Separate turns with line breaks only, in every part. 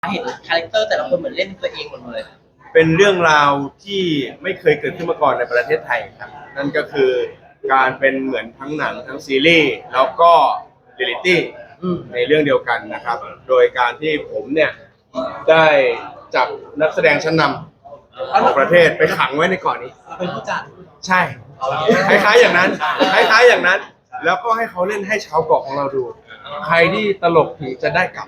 เห็นคาแรคเตอร์แต่ละคนเหมือนเล่นตัวเองหมดเลย
เป็นเรื่องราวที่ไม่เคยเกิดขึ้นมาก่อนในประเทศไทยครับนั่นก็คือการเป็นเหมือนทั้งหนังทั้งซีรีส์แล้วก็เรียลลิตี้ในเรื่องเดียวกันนะครับโดยการที่ผมเนี่ยได้จับนักแสดงชั้นนำของประเทศไปขังไว้ในเกาะนี้
เป็นผู้จัด
ใช่คล้ายๆอย่างนั้นคล้ายๆอย่างนั้นแล้วก็ให้เขาเล่นให้ชาวเกาะของเราดูใครที่ตลกถึงจะได้กลับ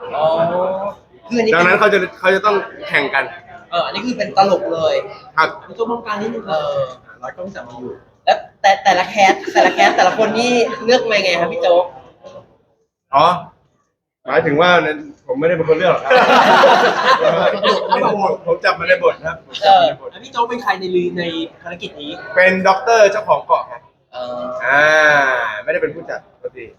ดังนั้นเขาจะต้องแข่งกัน
อันนี้คือเป็นตลกเลย
ครับ
มีตัวมองการนิดนึงร้อยกล้องจับมาอยู่แล้วแต่ละแคสแต่ละคนนี่เลือกมาไงครับพี่โจ๊ก
อ๋อหมายถึงว่าผมไม่ได้เป็นคนเลือกหรอกครับผมจับมาในบทครับ
พี่โจ๊กเป็นใครในภารกิจนี้
เป็นด็อกเตอร์เจ้าของเกาะครับไม่ได้เป็นผู้จัดปกติ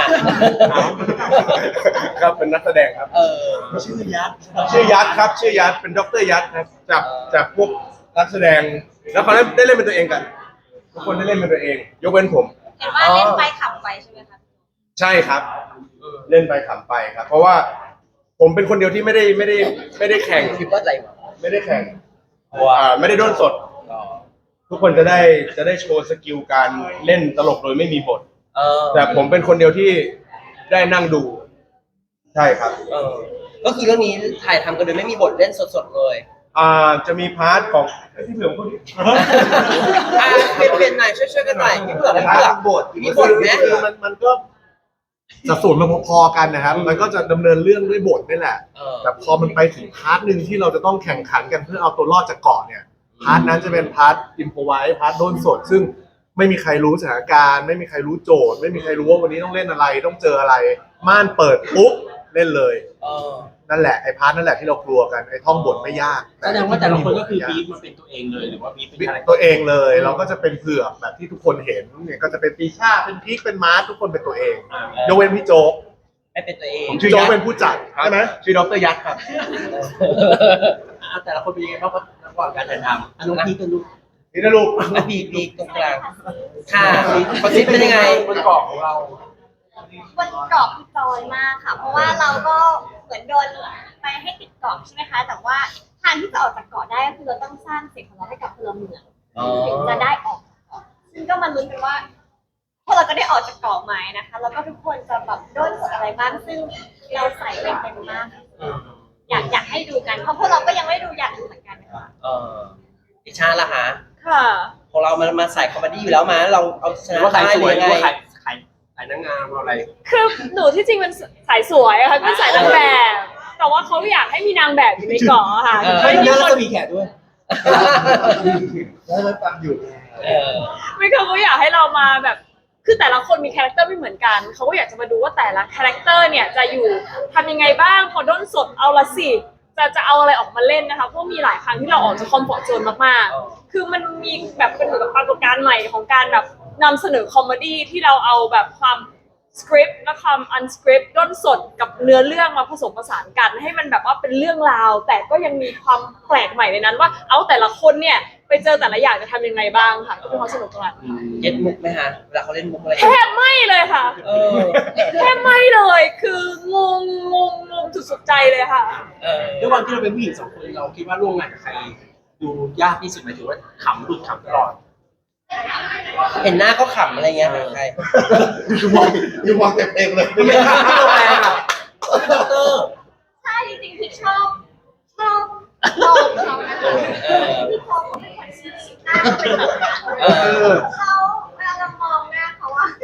ครับเป็นนักแสดงครับ
ชื่อยัด
ครับชื่อยัดเป็นด็อกเตอร์ยัดครับจากพวกนักแสดงแล้วเขาได้เล่นเป็นตัวเองกันทุกคนได้เล่นเป็นตัวเองยกเว้นผม
เห็นว่าเล่นไปขำไปใช่ไหมครับ
ใช่ครับเล่นไปขำไปครับเพราะว่าผมเป็นคนเดียวที่ไม่ได้แข่ง
คิดว่าอะไร
ไม่ได้แข่งไม่ได้ด้นสดทุกคนจะได้โชว์สกิลการเล่นตลกโดยไม่มีบทแต่ผมเป็นคนเดียวที่ได้นั่งดูใช่ครับ
ก็คือเรื่องนี้ถ่ายทำกันโดยไม่มีบทเล่นสดๆเลย
จะมีพาร์ทของที่เผื่อคนนี้
เปลี่ยนหน่อยช่วยกันหน่อยมีเผื่อบทมีบทไหม
คือมันก็สัดส่วนมันพอๆกันนะครับมันก็จะดำเนินเรื่องด้วยบทนี่แหละแต่พอมันไปถึงพาร์ทหนึ่งที่เราจะต้องแข่งขันกันเพื่อเอาตัวรอดจากเกาะเนี่ยพาร์ทนั้นจะเป็นพาร์ทอิมพอไวส์พาร์ทโดนสดซึ่งไม่มีใครรู้สถานการณ์ไม่มีใครรู้โจทย์ไม่มีใครรู้ว่าวันนี้ต้องเล่นอะไรต้องเจออะไรม่านเปิดปุ๊บเล่นเลยนั่นแหละไอ้พาร์ทนั่นแหละที่เรากลัวกันไอ้ท่องบทไม่ยาก
แสดงว่าแต่ละคนก็คือบีฟมันเป็นตัวเองเลยหรือว่าบีฟเป็น
ตัวเองเลยเราก็จะเป็นเผือกแบบที่ทุกคนเห็นเนี่ยก็จะเป็นปีชาเป็นพีคเป็นมาร์ททุกคนเป็นตัวเองยกเว้นพี่โจ๊ก
ไม่เป็นตัวเอง
ผมชื่อโจ๊กเป็นผู้จัดใช่ไหม
ชื่อดรยักษ์ครับ
แต่ละคนเป็นยังไงบ้างระหว่างการถ่ายทำน้องพีกันลูก
นี่นะลูก
พีตรงกลางค่ะคนนี้เป็นยังไงบนเกาะของเรา
บนเกาะคือจอยมากค่ะเพราะว่าเราก็เหมือนโดนไปให้ติดเกาะใช่ไหมคะแต่ว่าทางที่จะออกจากเกาะได้ก็คือเราต้องสร้างสิ่งของเราให้กับพลเมืองถึงจะได้ออกจากเกาะซึ่งก็มาลุ้นกันว่าพวกเราจะได้ออกจากเกาะไหมนะคะแล้วก็ทุกคนจะแบบโดนกดอะไรบ้างซึ่งเราใส่ไปเต็มมากอยากให้ดูกันเพราะพวกเราก็ยังไม่ดูอยากดูเหมือนกันนะคะ
ดิชาล่ะฮะ
ค่ะ
พอเรามาใส่คอมเมดี้อยู่แล้วมาเราเอาชนะได้ยังไง
ขายนางงามอะไร
คือหนูที่จริงเป็นสายสวยค่ะเป็นสายนางแบบแต่ว่าเขาอยากให้มีนางแบบอยู่ในเกาะค่ะ
ไม่มีคนมีแขกด้วย
แล้วฟังอยู่
ไม่เขาอยากให้เรามาแบบคือแต่ละคนมีคาแรคเตอร์ไม่เหมือนกันเขาก็อยากจะมาดูว่าแต่ละคาแรคเตอร์เนี่ยจะอยู่ทำยังไงบ้างพอด้นสดเอาละสิจะเอาอะไรออกมาเล่นนะคะเพราะมีหลายครั้งที่เราออกจากคอมฟอร์ตโซนมากๆคือมันมีแบบเป็นเหมือนกับปรากฏการณ์ใหม่ของการแบบนำเสนอคอมเมดี้ที่เราเอาแบบความสคริปต์และความอันสคริปต์ด้นสดกับเนื้อเรื่องมาผสมผสานกันให้มันแบบว่าเป็นเรื่องราวแต่ก็ยังมีความแปลกใหม่ในนั้นว่าเอาแต่ละคนเนี่ยไปเจอแต่ละอย่างจะทำยังไงบ้างค่ะก็เป็นความสนุกตรงนั้น
เก็ตมุกไหมฮะเวลาเขาเล่นมุกอะไร
แทบไม่เลยค่ะแทบไม่เลยคืองงสุดใจเลยค่ะ
ด้วยความที่เราเป็นผู้หญิงสองคนเราคิดว่าร่วมงานกับใครดูยากที่สุดหมายถึงว่าขำหลุดขำตลอดเห็นหน้าก็ขำอะไรเงี้ยใคร
ดูมองเต็มเองเลย
ไม่ขำที่โรงแรมอ่ะ
ใช่จริงๆที่ชอบมองเขานะคะที่เขาไม่ค่อยชี้หน้าเป็นแบบเขาเวลาเรามองหน้าเขาอะ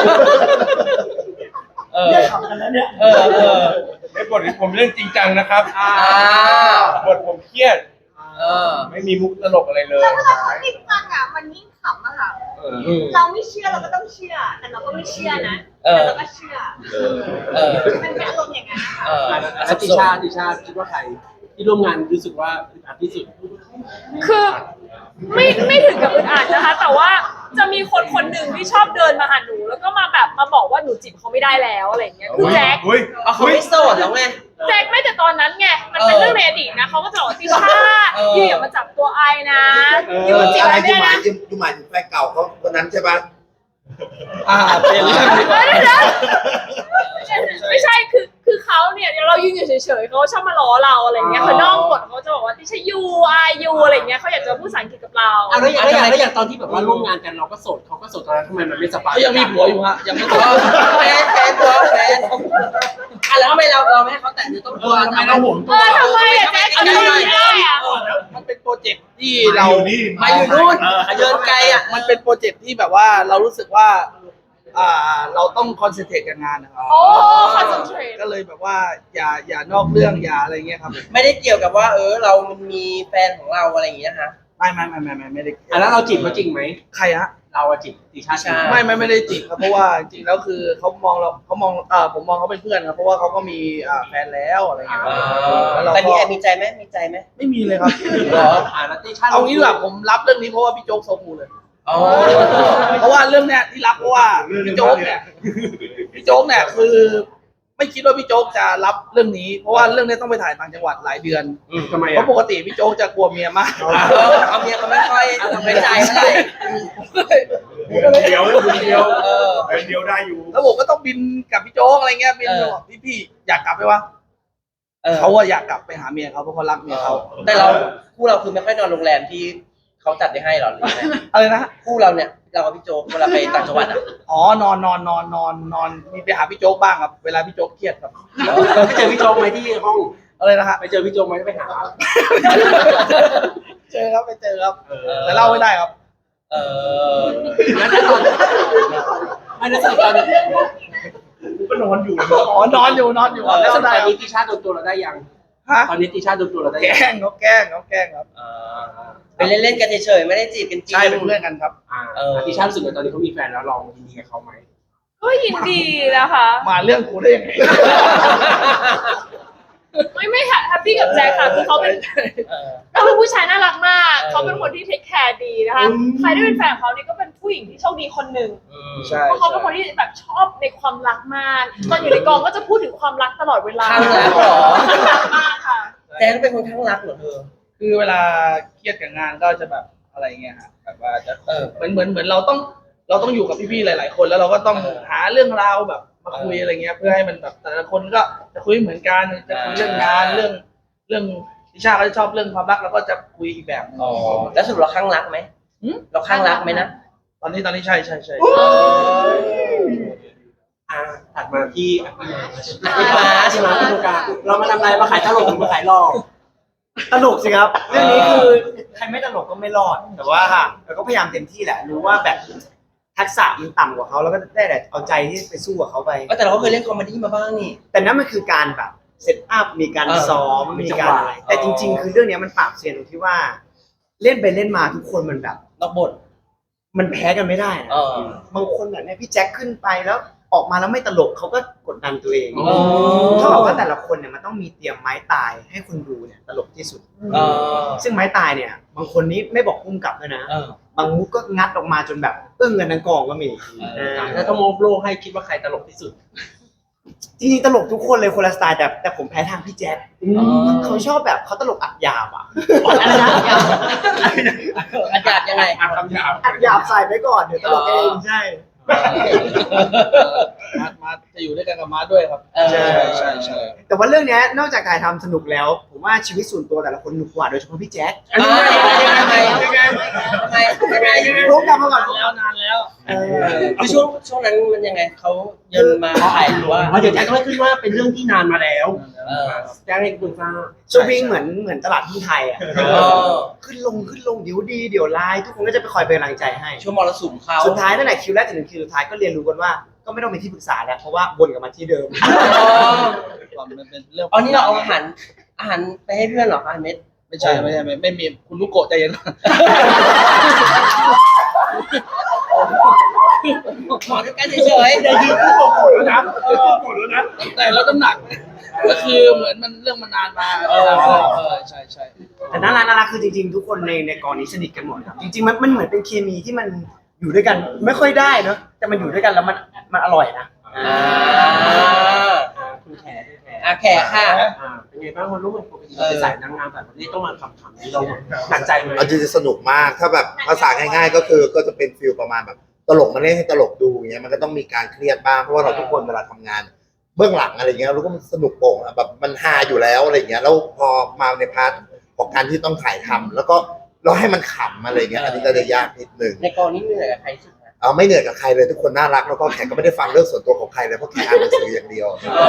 เนี่ยขำกันแล้วเนี่ย
ในบทที่ผมเล่นจริงจังนะครับบทผมเครียดไม่มีมุกตลกอะไรเลย
แล้วเวลาเขาจริงจังอ่ะมันยิ่งขำอะค่ะเราไม่เชื่อเราก็ต้องเชื่อแต่เราก็ไม่เชื่อนะแต่เราก็เชื่อมันเป็นอารมณ์อย่างนั้น
ค่ะติชาคิดว่าใครที่ร่วมงานรู้สึกว่าอึดอัดที่สุด
คือไม่ถึงกับอึดอัดนะคะแต่ว่าจะมีคนหนึ่งที่ชอบเดินมาหาหนูแล้วก็มาแบบมาบอกว่าหนูจีบเขาไม่ได้แล้วอะไรอย่างเงี้ยคือแจ็ค
เขาไม่โสดแล้วไง
แจ็คไม่แต่ตอนนั้นไงมันเป็นเรื่องในอดีตนะเขาก็จะบอกติชาอย่ามาจับตัวไอนะ
อยู่จีบอะไรไม่ได้นะอยู่หมายถึงแฟนเก่าเขาคนนั้นใช่ปะ
เป็นเรื่องไม่ใช่คือเขาเนี่ยเรายืนอยู่เฉยๆเขาชอบมาล้อเราอะไรเงี้ยคือนอกบทเขาจะบอกว่าที่ใช่ยูอายูอะไรเงี้ยเขาอยากจะพูดภาษาอังกฤษกับเรา
เอาแล้วอย่างตอนที่แบบว่าร่วมงานกันเราก็โสดเขาก็โสดตอนนั้นทำไมมันไม่สบาย
เขายังมีผัวอยู่ฮะยังไม่ตก
แฟนแล้วทำไมเราไม่ให้เขาแตะเนื้อต้องตัวทำไมเราห่วง
ทำไมอะแจ๊คเอาไม่ได้อะ
มันเป็นโปรเจกต์ที่เรา
มาอยู่นู่นเยินไกลอ่ะ
มันเป็นโปรเจกต์ที่แบบว่าเรารู้สึกว่าเราต้องคอนเซนเทรตกับงานนะครับ
โอ้คอนเซนเทรต
ก็เลยแบบว่าอย่านอกเรื่องอย่าอะไรเงี้ยครับ
ไม่ได้เกี่ยวกับว่าเรามันมีแฟนของเราอะไรอย่างเงี้ยฮะ
ไม่ได้
แล้วเราจีบเขาจริงไหม
ใครฮะ
เราจีบติชา
ไม่ได้จีบครับเพราะว่าจริงๆแล้วคือเขามองผมมองเขาเป็นเพื่อนครับเพราะว่าเขาก็มีแฟนแล้วอะไรเงี้ยครับแล้วเรา
แต่
ก็
มีใจไหมมีใจไหม
ไม่มีเลยครับ
เหรอแล้วติชา
เอางี้ดีกว่าผมรับเรื่องนี้เพราะว่าพี่โจ๊กโซคูเลย
อ๋อ
เพราะว่าเรื่องเนี้ยที่รับเพราะว่าพี่โจ๊กเนี่ยคือไม่คิดว่าพี่โจ๊กจะรับเรื่องนี้ เพราะว่าเรื่องนี้ต้องไปถ่ายต่างจังหวัดหลายเดือน
ทำไม
เพราะปกติพี่โจ๊กจะกลัวเมียมาก
เอาเมียเขาไม่ค่อยทำไม่ใจเท่าไหร่
เดียวได้อยู่
แล้วผมก็ต้องบินกับพี่โจ๊กอะไรเงี้ยบินบอกพี่อยากกลับไหมวะเขาอะอยากกลับไปหาเมียเขาเพราะเขารักเมียเขา
แต่คู่เราคือไม่ค่อยนอนโรงแรมที่เขาจัดให้หรอหรือไง
อะไรนะ
คู่เราเนี่ยเรากับพี่โจ๊กเวลาไปต่างจังหวัดอ่ะ
อ๋อนอนมีไปหาพี่โจ๊กบ้างครับเวลาพี่โจ๊กเครียดครับ
ไปเจอพี่โจ๊กไหมที่ห้อง
อะไรนะฮะ
ไปเจอพี่โจ๊กไหมไปหา
เจอครับไปเจอครับแต่เล่าไม่ได้ครับ
แล้วตอนไม่ได้สนิทตอน
ก็นอนอยู่
อ๋อนอนอยู่แล้ว
ต
ได้
อนนี้ติชาโดนตัวเราได้ยัง
ฮะ
ตอนนี้ติชาโดนตัวเราได้
แก
ยัง
ล้งเขาแกล้งครับ
ไปเล่นๆกันเฉยๆไม่ได้จีบกันจริง
ใช่เป็นเพื่อนกันครับ
ติชารู้สึกว่าตอนนี้เขามีแฟนแล้วลองยินดีกับเขาไหม
ก็ยินดีนะคะ
มาเรื่องกูได้ยังไง
ไม่แฮปปี้กับแจ็คค่ะคือเขาเป็นผู้ชายน่ารักมากเขาเป็นคนที่เทคแคร์ดีนะคะใครได้เป็นแฟนเขานี่ก็เป็นผู้หญิงที่โชคดีคนหนึ่ง
ใช่
เพราะเขาเป็นคนที่แบบชอบในความรักมากตอนอยู่ในกองก็จะพูดถึงความรักตลอดเวลา
ข้างรักเหรอ
รักมากค่ะ
แจ๊คเป็นคนข้างรักเหรอเธอ
คือเวลาเครียดกับงานก็จะแบบอะไรเงี้ยฮะแบบว่าจะเหมือนเราต้องอยู่กับพี่ๆหลาย ๆ คนแล้วเราก็ต้องหาเรื่องราวแบบมาคุยอะไรเงี้ยเพื่อให้มันแบบแต่ละคนก็จะคุยเหมือนกันจะคุยเรื่องงานเรื่องทิชาก็จะชอบเรื่องความรักเราก็จะคุยอีกแบบนึง
แล้วสรุปเราข้างรักไหมเราข้างรักไหมนะ
ตอนนี้ใช่
ถัดมาที่มาที่ดูการเรามาทำอะไรมาขายตลกหรือมาขายหลอก
ตลกสิครับ เรื่องนี้คือใครไม่ตลกก็ไม่รอด แต่ว่าเราก็พยายามเต็มที่แหละ รู้ว่าแบบทักษะมันต่ำกว่าเขาแล้วก็ได้แต่เอาใจที่ไปสู้กับเขาไป
แต่เราก็เคยเล่นคอมเมดี้มาบ้างนี่
แต่นั่นมันคือการแบบเซตอัพมีการซ้อม
มี
มี
จังห
การ
วะ
อะไรแต่จริง ๆ คือเรื่องนี้มันปราบเซียนตรงที่ว่า เล่นไปเล่นมาทุกคนมันแบบ
นอกบท
มันแพ้กันไม่ได้นะบางคนแบบเนี้ยพี่แจ็คขึ้นไปแล้วออกมาแล้วไม่ตลกเขาก็กดดันตัวเองเท่ากับว่าแต่ละคนเนี่ยมันต้องมีเตรียมไม้ตายให้คนดูเนี่ยตลกที่สุด ซึ่งไม้ตายเนี่ย บางคนนี้ไม่บอกพุ่มกลับด้วยนะ บางมุกก็งัดออกมาจนแบบอึ้งกันทั้งกองก็มี
แล้วถ้าโมโลให้คิดว่าใครตลกที่สุด
จริงๆตลกทุกคนเลยคนละสไตล์แต่ผมแพ้ทางพี่แจ๊คเขาชอบแบบเขาตลกอัดหยาบอ่ะ
อันยาบยังไง
อัดหยาบใส่ไปก่อนเดี๋ยวตลกเองใช่
มาจะอยู่ด้วยกันกับมาด้วยครับใช่
แต่ว่าเรื่องเนี้ยนอกจากถ่ายทำสนุกแล้ว ผมว่าชีวิตส่วนตัวแต่ละคนหนุกกว่าโดยเฉพาะพี่แจ๊ค
ยังไง
รู้กลับมาก่อน
นานแล้ว
คือช่วงนั้นมันยังไงเขาเยินมาถ่ายหรือว่าเดี๋ยวแจ็คต้องขึ้นว่าเป็นเรื่องที่นานมาแล้วแจ็คให้คุณทราบ
สวิงเหมือนตลาดหุ้นไทยอ่ะขึ้นลงเดี๋ยวดีเดี๋ยวร้ายทุกคนก็จะไปคอยเป็นกำลังใจให้
ช่วงมรสุมเขา
สุดท้ายนั่นแหละคิวแรกถึงคิวสุดท้ายก็เรียนรู้กันว่าก็ไม่ต้องเป็นที่ปรึกษาแล้วเพราะว่าวนกลับมาที่เดิม
มันเป็นเรื่อง
นี่เราเอาอาหารไปให้เพื่อนเหรอคะเม็ด
ไม่ใช่ไม่มีคุณลูกโกะใจเย็น
หมอด้วยกันเฉยๆ
อย่ายืนคู่กับผมแล้วนะแล้วนะ
แต่แล้วน้ำหนักก็คือเหมือนมันเรื่องมันนานมาใช่
แต่น่ารักคือจริงๆทุกคนในกองนี้สนิทกันหมดครับจริงๆมันเหมือนเป็นเคมีที่มันอยู่ด้วยกันไม่ค่อยได้เนอะแต่มันอยู่ด้วยกันแล้วมันอร่อยนะ
คุณแขแขค่ะเป็นไงบ้างวันรุ่งปกติเราเป็นสายนางงามแบบนี้ต้องมาคำนี้เราหนักใจไหม
เอาจริงๆสนุกมากถ้าแบบภาษาง่ายๆก็คือก็จะเป็นฟิลประมาณแบบตลกมาเล่นให้ตลกดูอย่างเงี้ยมันก็ต้องมีการเครียดบ้างเพราะว่าเราทุกคนเวลาทำงานเบื้องหลังอะไรเงี้ยเราก็มันสนุกโป่งอะแบบมันฮาอยู่แล้วอะไรเงี้ยแล้วพอมาในพาร์ทของการที่ต้องถ่ายทำแล้วก็เราให้มันขำอะไรเงี้ยอันนี้ก็จะยากนิดนึง
ในกองนี้เหนื่อยกับใครสุดนะ
เอาไม่เหนื่อยกับใครเลยทุกคนน่ารักแล้วก็แขกก็ไม่ได้ฟังเรื่องส่วนตัวของใครเลยเพราะแขกอ่านหนังสืออย่างเดียว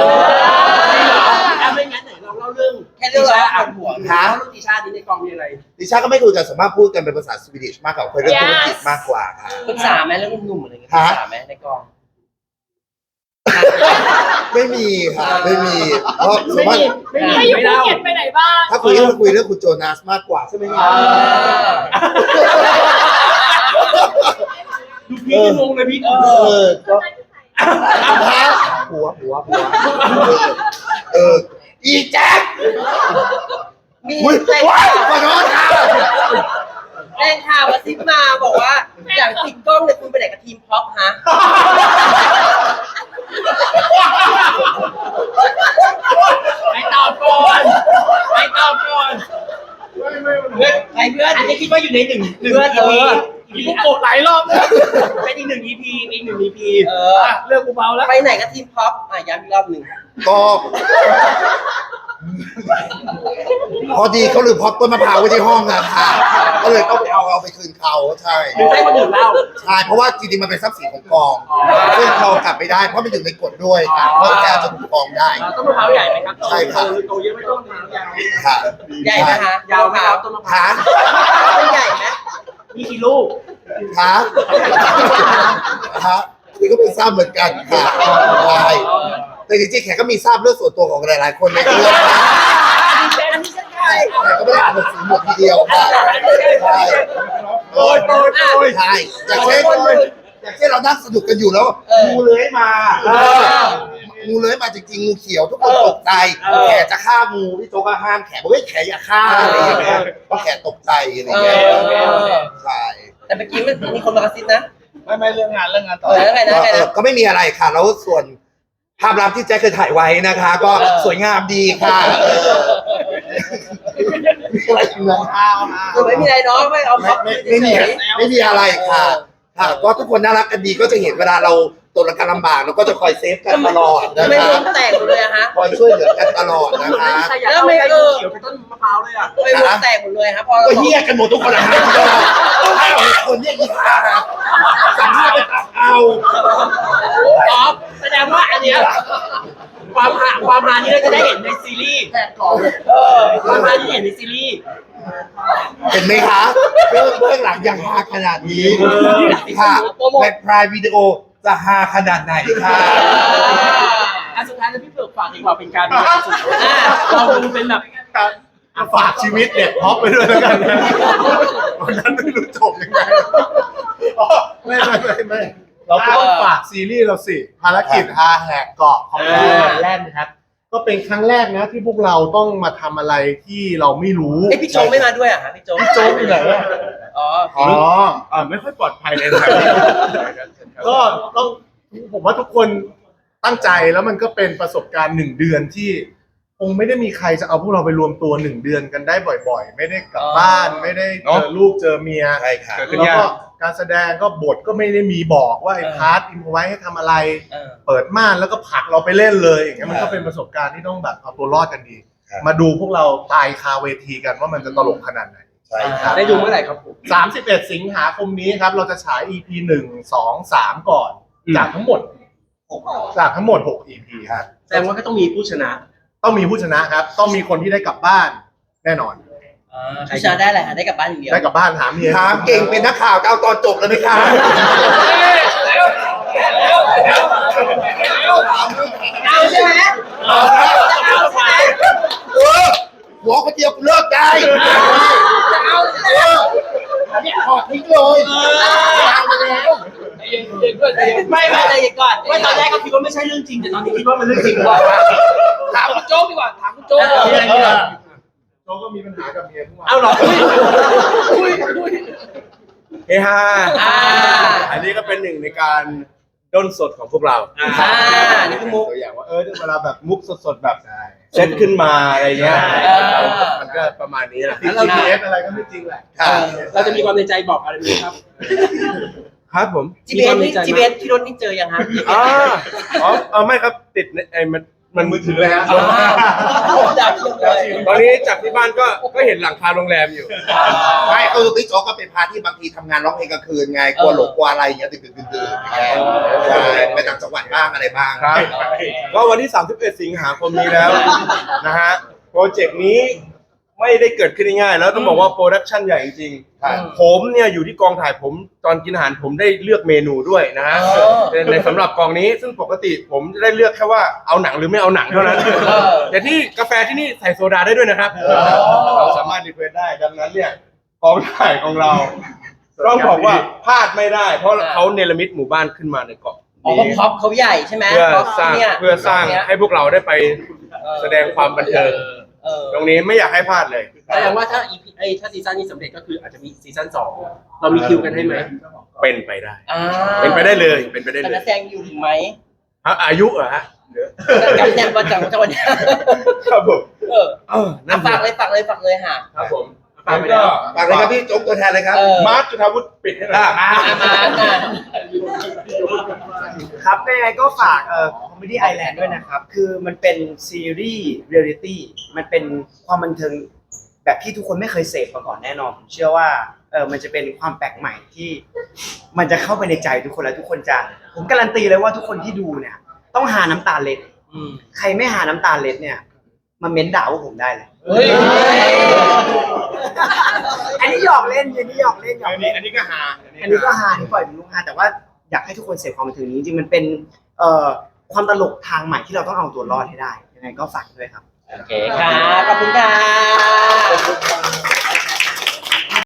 ไม่งั้นไหนเราเล่าเรื่องแค่เรื่องเราอ่านหัวเรื่องติชานี้ในกองมีอะไร
ดิฉันก็ไม่คุยกันสามารถพูดกันเป็นภาษาสวีดิชมากกว่าคุยเรื่องธุรกิจมากกว่าค่ะ
ปรึกษาไหมเรื่องหนุ่มๆอะไรเงี้ยปรึกษาไหมในกอง
ไม่มีค่ะไม่มีเพราะสามารถ
ไม่อยู่ภูเก็ตไปไหนบ้าง
ถ้าคุยก็คุยเรื่องคุณโจนาสมากกว่าใช่ไหมครับ
ดูพี่จะงงเลยพี่
ก็หัวอีแจ็ค
มี
อุ้ย
แรง
ว้าย
ข่าว
ขอโทษค่ะ
แรงข่าวมาซิปมาบอกว่าอยากติดกล้องเนี่ยคุณไปไหนกับทีมพ็อปฮะไม่ตอบก่อนเพื่อนอันนี้คิดว่าอยู่ในหนึ่งเพื่อน
มีพวกโกรธหลายรอบเลย
เป็นอีกหนึ่ง EP
เรื่องกูเบาแล้ว
ไปไหนกับทีมพ็อปย้ำอีกรอบหนึ่ง
ก็พอดีเขาลืมพอปต้นมะพร้าวไว้ที่ห้องอะค่ะก็เลยต้องไปเอาไปคืนเขาใช่
หรือให้คนอื่นเล่า
ใช่เพราะว่าจริงๆมันเป็นทรัพย์สินของกองซึ่งเรากลับไม่ได้เพราะมันอยู่ในกฎด้วยค่ะเพราะแกจะถูกฟ้องได้
ต้นมะพร้าวใหญ่ไหมครับ
ใช่ค่ะ
โตเยอะไม่ต้องยาว
ค่ะ
ใหญ่ไหมคะยาวไหมครับต้นมะพร้าว
ค่ะ
มันใหญ่ไหมมีกี่ลูก
ค่ะค่ะนี่ก็ไม่ทราบเหมือนกันค่ะใช่แต่จริงๆแขกก็มีทราบเรื่องส่วนตัวของหลายๆคนในเรื่องนะใช่แขกก็ไม่ได้อ่านหนังสือหมดทีเดียวค่ะใช่ใช่อย่างเช่นเรานั่งสนุกกันอยู่แล้วงูเลื้อยมางูเลื้อยมาจริงๆงูเขียวทุกคนตกใจแขกจะฆ่างูพี่โจ๊กก็ห้ามแขกบอกว่าแขกอย่าฆ่าอะไรอย่างเงี้ยเพราะแขกตกใจอะไรอย่างเงี้ยใช่
แต่เมื่อกี้มันมีคนมากระซิบนะ
ไม่เรื่องงานต่อ
แล้วไงนะ
ก็ไม่มีอะไรค่ะแล้วส่วนภาพลับที่แจ็คเคยถ่ายไว้นะคะ ก็สวยงามดีค่ะอะไรอย่างเงี้ย
ไม่มีอะไรเนาะไม่เอาพ็อป
ไม่มีอะไรค่ะค่ะก็ทุกคนน่ารักกันดีก็จะเห็นเวลาเราตกการลำบากเราก็จะคอยเซฟกันตลอดนะ
ไม่
คะ
วงแตกหมดเลยอะฮะ
คอยช่วยเหลือกันตลอดนะคะ
แล้วไม่เขียวเป็นต้นมะพร้าวเลยอะไม่วงแตกหมดเลยครับพอ
ก็เฮี้ยกันหมดทุกคนนะฮะถ้าเราคนเนี้ยอีกค่ะสัมภาษณ์ไปตัดเอา
อ๋อแสดงว่าอันเนี้ยความฮานี้เราจะได้เห็นในซีรีส์ความฮาที่เห็นในซีรีส์
เห็นไหมคะเรื่องหลังยังฮาขนาดนี้ค่ะในพรายวิดีโอจะฮาขนาดไหนค่ะ
อันสุดท้ายแล้วพี่เผือกฝากดีกว่าเป็นการสุดเราดูเป็นแบบ
ฝากชีวิตเด็กพ็อปไปด้วยแล้วกันนะวันนั้นไม่รู้จบยังไงอ๋อไม่เราก็ต้องฝากซีรีส์เราสิภารกิจฮาแหกเกาะของเราแรกนะครับก็เป็นครั้งแรกนะที่พวกเราต้องมาทำอะไรที่เราไม่รู้
ไอพี่โจไม่มาด้วยอ่ะพี่โจ
โจ๊กอยู่ไหนอะ
อ๋อ
ไม่ค่อยปลอดภัยเลยนะครับ
ก็ต้องผมว่าทุกคนตั้งใจแล้วมันก็เป็นประสบการณ์1 เดือนที่คงไม่ได้มีใครจะเอาพวกเราไปรวมตัว1 เดือนกันได้บ่อยๆ ไม่ได้กลับบ้านไม่ได้เจอลูกเจอเมีย
ใช่ค่ะ
แล้วก็การแสดงก็บทก็ไม่ได้มีบอกว่าไอ้พาร์ทอินโฟไว้ให้ทำอะไร เปิดม่านแล้วก็ผลักเราไปเล่นเลยอย่างเงี้ยมันก็เป็นประสบการณ์ที่ต้องแบบเอาตัวรอดกันดี มาดูพวกเราตายคาเวทีกันว่ามันจะตลกขนาดไหน
ใช่ครับ
ได้ดูเมื่อไหร่ครับผม
31 สิงหาคมนี้ครับเราจะฉาย EP 1 2 3 ก่อน จากทั้งหมด6 EP ครับ
แสดงว่าก็ต้องมีผู้ชนะ
ต้องมีผู้ชนะครับ ต้องมีคนที่ได้กลับบ้านแน่นอน
ผู้ชนะได้อะไรได้กลับบ้านอย่างเดียว
ได้กลับบ้านหาเมีย
ถามเก่งเป็นนักข่าวก็เอาตอนจบเลยไหมคะ
เอาใช่ไหมเอาใช่ไหม
หัวคนเดียวกูเลิกได้
เอาใช่ไหม
ขอทิ้งเลยเอาไปแล้ว
ไม่อะไรก่อนว่าตอนแรกก็คิดว่าไม่ใช่เรื่องจริงแต่ตอนนี้คิดว่ามันเรื่องจริงกว่าถามคุณโจ๊กดีกว่าถามคุณโจ๊ก
โจก็มีปัญหากับเมียทุกวัน
เอาหรอ
เฮฮาอันนี้ก็เป็นหนึ่งในการด้นสดของพวกเรา
นี่คือมุก
ตัวอย่างว่าเวลาแบบมุกสดๆแบบเซตขึ้นมาอะไรเงี้ยมันก็ประมาณนี้แหละ
แล้วเรา GPS อะไรก็ไม่จริงแหละ
เราจะมีความในใจบอกอะไรไหมครับ
ครับผม
GBS นี่ GBS ที่รถนี่เจอยังฮะ
อ๋อไม่ครับติดไอ้มันมือถือเลยฮะ
ดาวเทียมเลย
ตอนนี้จากที่บ้านก็เห็นหลังคาโรงแรมอยู่
ไม่พี่โจ๊กก็เป็นพาร์ทที่บางทีทำงานร้องเพลงกลางคืนไงกลัวหลงกลัวอะไรอย่างเงี้ยตื่นอย่างเงี้ยใช่ไปต่างจังหวัดบ้างอะไรบ้าง
ครับก็วันที่ 31 สิงหาคมนี้แล้วนะฮะโปรเจกต์นี้ไม่ได้เกิดขึ้นง่ายๆแล้วต้องบอกว่าโปรดักชั่นใหญ่จริง
ครับ
ๆผมเนี่ยอยู่ที่กองถ่ายผมตอนกินอาหารผมได้เลือกเมนูด้วยนะฮะในสำหรับกองนี้ซึ่งปกติผมจะได้เลือกแค่ว่าเอาหนังหรือไม่เอาหนังเท่านั้นแต่ที่กาแฟที่นี่ใส่โซดาได้ด้วยนะครับเราสามารถรีเควสได้ดังนั้นเนี่ยกองถ่ายของเราต้องบอกว่าพลาดไม่ได้ เพราะเขาเนรมิตหมู่บ้านขึ้นมาในเกาะ
อ๋อพ็อปเขาใหญ่ใช่ไหม
เพื่อ
พ็อป
สร้าง
เนี่ย
เพื่อสร้างให้พวกเราได้ไปแสดงความบันเทิง ตรงนี้ไม่อยากให้พลาดเลย
แสดงว่าถ้า EP ถ้าซีซั่นนี้สำเร็จก็คืออาจจะมีซีซั่น2เรามีคิวกันให้ไหม
เป็นไปได้
อ่า
เป็นไปได้เลยเป็นไปได้
แต่
เล
นั
ย
กแสดงอยู่ถึงไหม
ฮะอายุเหรอฮะ
กับเนี่ยวันจังวันเนี้ย
ครับผม
อ่ะฝากเลยค่ะ
ครับผม
ฝากไป
ก็
แล้ว
ฝากเลยครับพี่โจ๊กตัวแทนเลยครับ
มาร์คจุฑาวุฒิปิดให้หน่อย
มา
ครับยังไงก็ฝากComedy Island ด้วยนะครับ คือมันเป็นซีรีส์เรียลลิตี้มันเป็นความบันเทิงแบบที่ทุกคนไม่เคยเสพมาก่อนแน่นอนผมเชื่อว่ามันจะเป็นความแปลกใหม่ที่มันจะเข้าไปในใจทุกคนแล้วทุกคนจะผมการันตีเลยว่าทุกคนที่ดูเนี่ยต้องหาน้ำตาเล็ดใครไม่หาน้ำตาเล็ดเนี่ยมาเม้นด่าพวกผมได้เลย
เฮ้ย
อันนี้หยอกเล่นอันนี้หยอกเล่นหยอกเล่น
อันนี้ก็ฮา
อันนี้ก็ฮาที่ปล่อยเป็นลูกฮาแต่ว่าอยากให้ทุกคนเสพความบันเทิงนี้จริงๆมันเป็นความตลกทางใหม่ที่เราต้องเอาตัวรอดให้ได้ยังไงก็ฝากด้วยครับ
โอเคค่ะ ขอบคุณค่ะ